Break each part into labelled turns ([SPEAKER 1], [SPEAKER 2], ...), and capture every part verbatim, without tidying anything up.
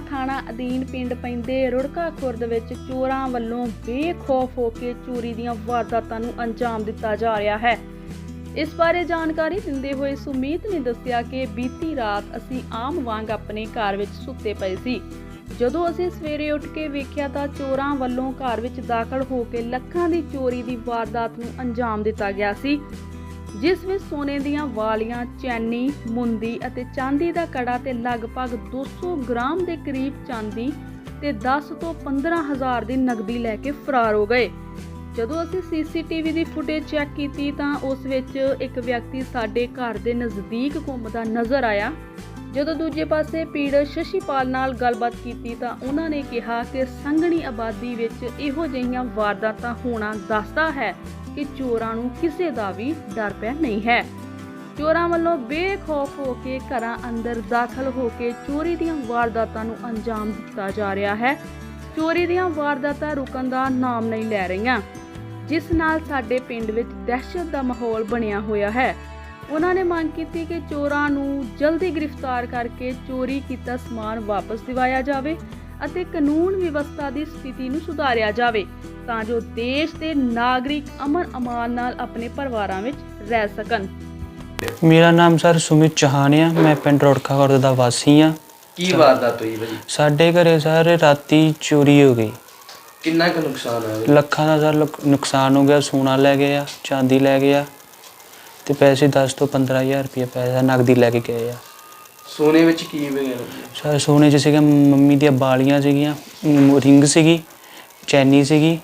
[SPEAKER 1] थाणा अधीन पिंड पैंदे रुड़का खुर्द विच चोरां वल्लों बेखौफ हो के चोरी दीआं वारदातां नूं अंजाम दिता जा रहा है। इस बारे जानकारी दिंदे होए सुमीत ने दस्सिया कि बीती रात असीं आम वांग अपने घर विच सुत्ते पए सी। ਜਦੋਂ ਅਸੀਂ ਸਵੇਰੇ ਉੱਠ ਕੇ ਵੇਖਿਆ ਤਾਂ ਚੋਰਾਂ ਵੱਲੋਂ ਘਰ ਵਿੱਚ ਦਾਖਲ ਹੋ ਕੇ ਲੱਖਾਂ ਦੀ ਚੋਰੀ ਦੀ ਵਾਰਦਾਤ ਨੂੰ ਅੰਜਾਮ ਦਿੱਤਾ ਗਿਆ ਸੀ, ਜਿਸ ਵਿੱਚ ਸੋਨੇ ਦੀਆਂ ਵਾਲੀਆਂ, ਚੈਨੀ, ਮੁੰਦੀ ਅਤੇ ਚਾਂਦੀ ਦਾ ਕੜਾ ਤੇ ਲਗਭਗ ਦੋ ਸੌ ਗ੍ਰਾਮ ਦੇ ਕਰੀਬ ਚਾਂਦੀ ਤੇ ਦਸ ਤੋਂ ਪੰਦਰਾਂ ਹਜ਼ਾਰ ਦੀ ਨਕਦੀ ਲੈ ਕੇ ਫਰਾਰ ਹੋ ਗਏ। ਜਦੋਂ ਅਸੀਂ ਸੀਸੀਟੀਵੀ ਦੀ ਫੁਟੇਜ ਚੈੱਕ ਕੀਤੀ ਤਾਂ ਉਸ ਵਿੱਚ ਇੱਕ ਵਿਅਕਤੀ ਸਾਡੇ ਘਰ ਦੇ ਨਜ਼ਦੀਕ ਘੁੰਮਦਾ ਨਜ਼ਰ ਆਇਆ। ਜਦੋਂ ਦੂਜੇ ਪਾਸੇ ਪੀੜਤ ਸ਼ਸ਼ੀਪਾਲ ਨਾਲ ਗੱਲਬਾਤ ਕੀਤੀ ਤਾਂ ਉਹਨਾਂ ਨੇ ਕਿਹਾ ਕਿ ਸੰਘਣੀ ਆਬਾਦੀ ਵਿੱਚ ਇਹੋ ਜਿਹੀਆਂ ਵਾਰਦਾਤਾਂ ਹੋਣਾ ਦੱਸਦਾ ਹੈ ਕਿ ਚੋਰਾਂ ਨੂੰ ਕਿਸੇ ਦਾ ਵੀ ਡਰ ਪਿਆ ਨਹੀਂ ਹੈ। ਚੋਰਾਂ ਵੱਲੋਂ ਬੇਖੌਫ ਹੋ ਕੇ ਘਰਾਂ ਅੰਦਰ ਦਾਖਲ ਹੋ ਕੇ ਚੋਰੀ ਦੀਆਂ ਵਾਰਦਾਤਾਂ ਨੂੰ ਅੰਜਾਮ ਦਿੱਤਾ ਜਾ ਰਿਹਾ ਹੈ। ਚੋਰੀ ਦੀਆਂ ਵਾਰਦਾਤਾਂ ਰੁਕਣ ਦਾ ਨਾਮ ਨਹੀਂ ਲੈ ਰਹੀਆਂ, ਜਿਸ ਨਾਲ ਸਾਡੇ ਪਿੰਡ ਵਿੱਚ ਦਹਿਸ਼ਤ ਦਾ ਮਾਹੌਲ ਬਣਿਆ ਹੋਇਆ ਹੈ। ਉਹਨਾਂ ਨੇ ਮੰਗ ਕੀਤੀ ਕਿ ਚੋਰਾਂ ਨੂੰ ਜਲਦੀ ਗ੍ਰਿਫਤਾਰ ਕਰਕੇ ਚੋਰੀ ਕੀਤਾ ਸਮਾਨ ਵਾਪਸ ਦਿਵਾਇਆ ਜਾਵੇ ਅਤੇ ਕਾਨੂੰਨ ਵਿਵਸਥਾ ਦੀ ਸਥਿਤੀ ਨੂੰ ਸੁਧਾਰਿਆ ਜਾਵੇ ਤਾਂ ਜੋ ਦੇਸ਼ ਦੇ ਨਾਗਰਿਕ ਅਮਨ ਅਮਾਨ ਨਾਲ ਆਪਣੇ ਪਰਿਵਾਰਾਂ ਵਿੱਚ ਰਹਿ ਸਕਣ।
[SPEAKER 2] ਮੇਰਾ ਨਾਮ ਸਰ ਸੁਮਿਤ ਚੌਹਾਨ ਆ, ਮੈਂ ਪਿੰਡ ਰੁੜਕਾ ਖੁਰਦ ਦਾ ਵਾਸੀ ਆ।
[SPEAKER 3] ਕੀ ਵਾਰਦਾਤ ਹੋਈ ਭਾਜੀ?
[SPEAKER 2] ਸਾਡੇ ਘਰੇ ਸਰ ਰਾਤੀ ਚੋਰੀ ਹੋ ਗਈ।
[SPEAKER 3] ਕਿੰਨਾ ਕੁ ਨੁਕਸਾਨ ਹੋਇਆ?
[SPEAKER 2] ਲੱਖਾਂ ਦਾ ਸਰ ਨੁਕਸਾਨ ਹੋ ਗਿਆ। ਸੋਨਾ ਲੈ ਗਏ ਆ, ਚਾਂਦੀ ਲੈ ਗਏ ਆ ਤੇ ਪੈਸੇ ਦਸ ਤੋਂ ਪੰਦਰਾਂ ਹਜ਼ਾਰ ਰੁਪਏ ਪੈਸਾ ਨਕਦੀ ਲੈ ਕੇ ਗਏ ਆ।
[SPEAKER 3] ਸੋਨੇ ਵਿੱਚ ਕੀ ਵਗੈਰਾ?
[SPEAKER 2] ਸਰ ਸੋਨੇ 'ਚ ਸੀਗਾ ਮੰਮੀ ਦੀਆਂ ਬਾਲੀਆਂ ਸੀਗੀਆਂ, ਰਿੰਗ ਸੀਗੀ, ਚੈਨੀ ਸੀਗੀ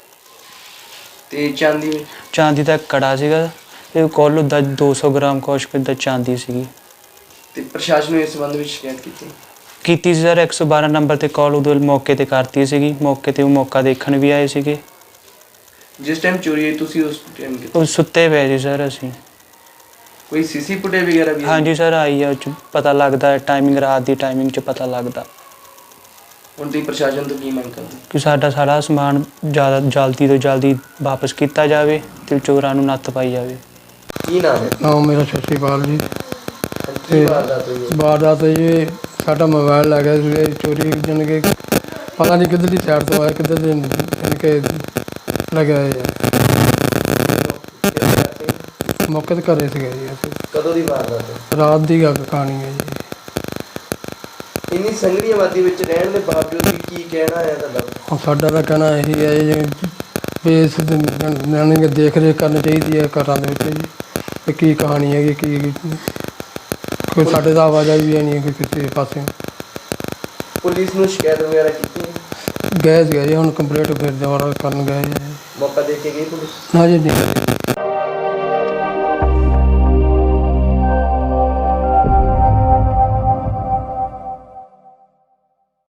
[SPEAKER 3] ਤੇ ਚਾਂਦੀ ਵਿੱਚ?
[SPEAKER 2] ਚਾਂਦੀ ਦਾ ਕੜਾ ਸੀਗਾ ਤੇ ਕੋਲ ਦਾ ਦੋ ਸੌ ਗ੍ਰਾਮ ਕੁਛ ਦਾ ਚਾਂਦੀ ਸੀਗੀ।
[SPEAKER 3] ਤੇ ਪ੍ਰਸ਼ਾਸਨ ਨੂੰ ਇਸ ਸੰਬੰਧ ਵਿੱਚ ਸ਼ਿਕਾਇਤ ਕੀਤੀ?
[SPEAKER 2] ਕੀਤੀ ਸੀ ਸਰ, ਇੱਕ ਸੌ ਬਾਰਾਂ ਨੰਬਰ ਤੇ ਕਾਲ ਉਦੋਂ ਮੌਕੇ ਤੇ ਕਰਤੀ ਸੀਗੀ। ਮੌਕੇ ਤੇ ਉਹ ਮੌਕਾ ਦੇਖਣ ਵੀ ਆਏ ਸੀਗੇ।
[SPEAKER 3] ਜਿਸ ਟਾਈਮ ਚੋਰੀ ਹੋਈ ਤੁਸੀਂ ਉਸ ਟਾਈਮ ਕਿੱਥੇ?
[SPEAKER 2] ਉਹ ਸੁੱਤੇ ਪਏ ਸੀ ਸਰ ਅਸੀਂ।
[SPEAKER 3] ਕੋਈ ਸੀਸੀ ਫੁਟੇਜ ਵਗੈਰਾ ਵੀ?
[SPEAKER 2] ਹਾਂਜੀ ਸਰ ਆਈ ਆ, ਉਹ 'ਚ ਪਤਾ ਲੱਗਦਾ ਟਾਈਮਿੰਗ, ਰਾਤ ਦੀ ਟਾਈਮਿੰਗ 'ਚ ਪਤਾ ਲੱਗਦਾ।
[SPEAKER 3] ਹੁਣ ਤੁਸੀਂ ਪ੍ਰਸ਼ਾਸਨ ਤੋਂ ਕੀ ਮੰਗ ਕਰਦੇ?
[SPEAKER 2] ਕਿ ਸਾਡਾ ਸਾਰਾ ਸਮਾਨ ਜ਼ਿਆਦਾ ਜਲਦੀ ਤੋਂ ਜਲਦੀ ਵਾਪਸ ਕੀਤਾ ਜਾਵੇ ਤੇ ਚੋਰਾਂ ਨੂੰ ਨੱਥ ਪਾਈ ਜਾਵੇ।
[SPEAKER 3] ਕੀ ਨਾਮ ਹੈ?
[SPEAKER 4] ਨਾਮ ਮੇਰਾ ਸ਼ਸ਼ੀਪਾਲ ਜੀ।
[SPEAKER 3] ਕੀ ਵਾਰਦਾਤ ਹੋਈ?
[SPEAKER 4] ਵਾਰਦਾਤ ਜੀ ਸਾਡਾ ਮੋਬਾਈਲ ਲੈ ਗਿਆ ਸੀ ਚੋਰੀ, ਜਾਣੀ ਕਿ ਪਤਾ ਨਹੀਂ ਕਿੱਧਰ ਦੀ ਸਾਈਡ ਤੋਂ ਆਇਆ, ਕਿੱਧਰ ਦੇ ਜਾਣੀ ਕਿ ਲੱਗਿਆ ਯਾਰ। ਮੌਕੇ 'ਤੇ ਘਰੇ ਸੀਗਾ ਜੀ ਅਸੀਂ।
[SPEAKER 3] ਕਦੋਂ ਦੀ ਵਾਰਦਾਤ ਹੈ?
[SPEAKER 4] ਰਾਤ ਦੀ ਗੱਲ ਕਹਾਣੀ ਹੈ ਜੀ।
[SPEAKER 3] ਇੰਨੀ ਸੰਘਣੀ ਆਬਾਦੀ ਵਿੱਚ ਰਹਿਣ ਦੇ ਬਾਵਜੂਦ ਵੀ ਕੀ ਕਹਿਣਾ ਹੈ ਤੁਹਾਡਾ?
[SPEAKER 4] ਹੁਣ ਸਾਡਾ ਤਾਂ ਕਹਿਣਾ ਇਹੀ ਹੈ ਜੀ ਵੀ ਇਸ ਜਾਣੀ ਕਿ ਦੇਖ ਰੇਖ ਕਰਨੀ ਚਾਹੀਦੀ ਹੈ ਘਰਾਂ ਦੇ ਵਿੱਚ ਜੀ, ਵੀ ਕੀ ਕਹਾਣੀ ਹੈਗੀ, ਕੀ ਕੋਈ ਸਾਡੇ ਦਾ ਆਵਾਜ਼ਾਈ ਵੀ ਨਹੀਂ ਹੈ ਕਿਸੇ ਪਾਸੇ।
[SPEAKER 3] ਪੁਲਿਸ ਨੂੰ ਸ਼ਿਕਾਇਤ ਵਗੈਰਾ ਕੀਤੀ?
[SPEAKER 4] ਗਏ ਸੀਗਾ ਜੀ, ਹੁਣ ਕੰਪਲੀਟ ਫਿਰ ਦੁਬਾਰਾ ਕਰਨ ਗਏ ਜੀ।
[SPEAKER 3] ਮੌਕਾ ਦੇ ਕੇ ਗਈ ਪੁਲਿਸ?
[SPEAKER 4] ਨਾ ਜੀ ਨਹੀਂ।